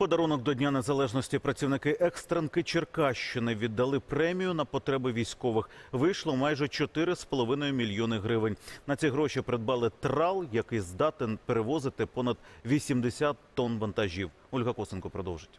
Подарунок до Дня Незалежності працівники екстренки Черкащини віддали премію на потреби військових. Вийшло майже 4,5 мільйони гривень. На ці гроші придбали трал, який здатен перевозити понад 80 тонн вантажів. Ольга Косенко продовжить.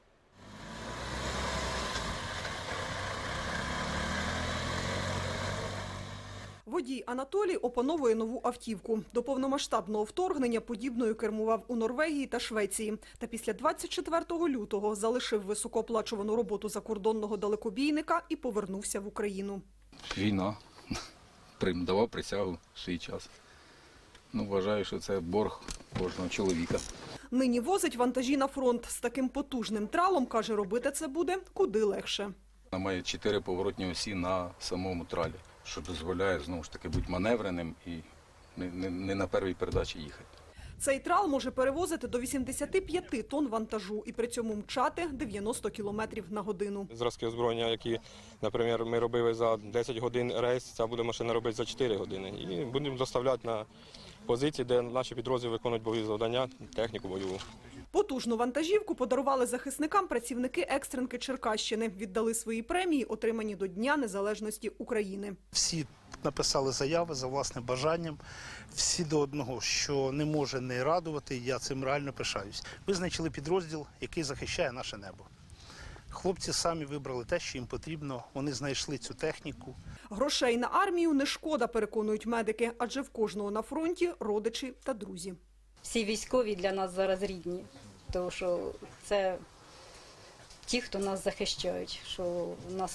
Водій Анатолій опановує нову автівку. До повномасштабного вторгнення подібною кермував у Норвегії та Швеції. Та після 24 лютого залишив високооплачувану роботу закордонного далекобійника і повернувся в Україну. Війна. Давав присягу в свій час. Вважаю, що це борг кожного чоловіка. Нині возить вантажі на фронт. З таким потужним тралом, каже, робити це буде куди легше. Вона має 4 поворотні осі на самому тралі, що дозволяє, знову ж таки, бути маневреним і не на першій передачі їхати. Цей трал може перевозити до 85 тонн вантажу і при цьому мчати 90 кілометрів на годину. Зразки озброєння, які, наприклад, ми робили за 10 годин рейс, ця буде машина робити за 4 години. І будемо доставляти на позиції, де наші підрозділи виконують бойові завдання, техніку бойову. Потужну вантажівку подарували захисникам працівники екстренки Черкащини. Віддали свої премії, отримані до Дня Незалежності України. Всі написали заяви за власним бажанням, всі до одного, що не може не радувати, я цим реально пишаюсь. Визначили підрозділ, який захищає наше небо. Хлопці самі вибрали те, що їм потрібно, вони знайшли цю техніку. Грошей на армію не шкода, переконують медики, адже в кожного на фронті родичі та друзі. Всі військові для нас зараз рідні, тому що це ті, хто нас захищають, що у нас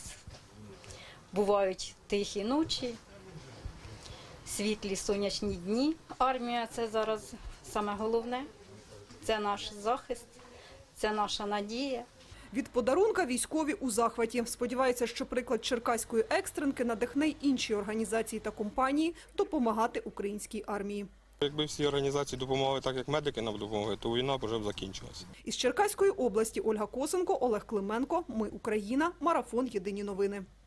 бувають тихі ночі, світлі сонячні дні. Армія – це зараз саме головне, це наш захист, це наша надія. Від подарунка військові у захваті. Сподіваються, що приклад черкаської екстренки надихне й інші організації та компанії допомагати українській армії. Якби всі організації допомагали так, як медики нам допомогли, то війна б вже закінчилася. Із Черкаської області Ольга Косенко, Олег Клименко. Ми Україна. Марафон. Єдині новини.